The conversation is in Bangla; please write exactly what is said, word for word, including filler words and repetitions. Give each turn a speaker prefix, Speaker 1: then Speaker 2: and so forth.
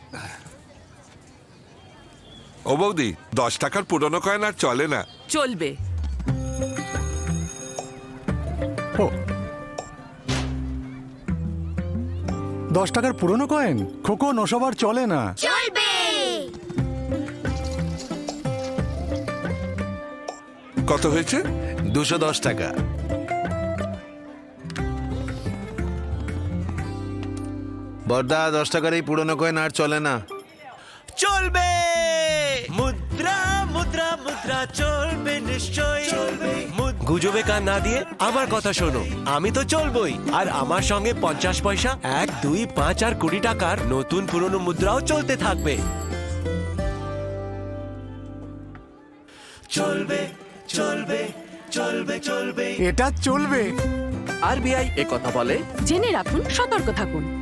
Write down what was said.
Speaker 1: ও বৌদি, দশ টাকার পুরনো কয়েন আর চলে না।
Speaker 2: চলবে।
Speaker 3: ও, দশ টাকার পুরনো কয়েন? খোকন, ওসব আর চলে না।
Speaker 4: চলবে।
Speaker 1: কত হয়েছে?
Speaker 5: দুশো দশ টাকা। বর্দা, দশ টাকার এই পুরনো কয়েন আর চলে না।
Speaker 6: চলবে। মুদ্রা মুদ্রা মুদ্রা চলবে, নিশ্চয় চলবে। গুজবে কান না দিয়ে আমার কথা শোনো, আমি তো চলবই, আর আমার সঙ্গে পঞ্চাশ পয়সা, এক দুই পাঁচ আর কুড়ি টাকার নতুন পুরনো মুদ্রাও চলতে থাকবে। চলবে চলবে চলবে চলবে,
Speaker 3: এটা চলবে।
Speaker 7: আরবিআই এ কথা বলে।
Speaker 2: জেনে রাখুন, সতর্ক থাকুন।